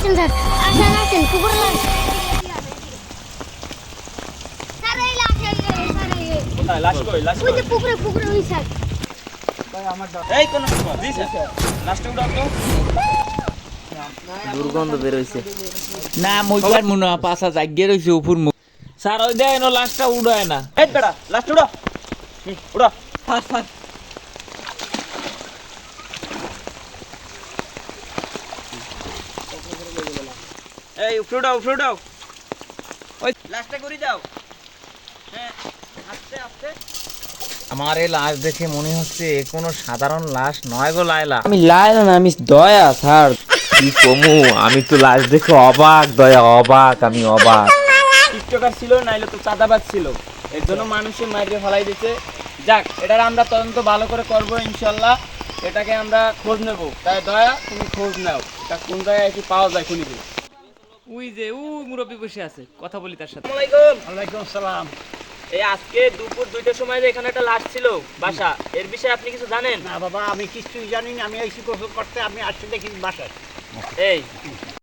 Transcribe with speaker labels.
Speaker 1: আসেন স্যার, আসেন আসেন পুকুরে লাশ। স্যার এই লাশ স্যার
Speaker 2: কোথায় লাশ কই লাশ
Speaker 1: ওই
Speaker 2: কই
Speaker 1: যে পুকুরে ওই স্যার।
Speaker 2: এই কোন জি স্যার লাশটা উঠাও তো
Speaker 3: দুর্গন্ধ বের হইছে।
Speaker 4: না মইবার মনে হয় পাছা জাগিয়ে রইছে উপর মুখ স্যার ওই দেয় না লাশটা উড়ায় না
Speaker 2: এই বেটা লাশটা উঠাও উঠা
Speaker 4: ফাস ফাস
Speaker 2: এই উপরে উঠাও ওই লাশটা করে যাও হ্যাঁ আস্তে আস্তে
Speaker 4: আমার এই লাশ দেখে মনে হচ্ছে এ কোনো সাধারণ লাশ নয় গো লায়লা।
Speaker 3: আমি লাইলা না, আমি দয়া স্যার। কি কমু, আমি তো লাশ দেখে অবাক, দয়া অবাক, আমি অবাক।
Speaker 2: টিকটকার ছিল নাইলে তো চাঁদাবাজ ছিল এর জন্য মানুষে মাইরে ফেলাই দিতে। যাক এটার আমরা তদন্ত ভালো করে করব ইনশাল্লাহ, এটাকে আমরা খোঁজ নেব। তাই দয়া তুমি খোঁজ নাও এটা কোন জায়গায় কি পাওয়া যায় খুনিকে।
Speaker 4: ওই যে ও মুরব্বী বসে আছে, কথা বলি তার সাথে।
Speaker 2: ওয়ালাইকুম আসসালাম। এই আজকে দুপুর 2টার সময় যে এখানে একটা লাশ ছিল বাসা, এর বিষয়ে আপনি কিছু জানেন?
Speaker 5: না বাবা, আমি কিছুই জানি না। আমি এই গোসল করতে আমি আসছি দেখি বাসায়।
Speaker 2: এই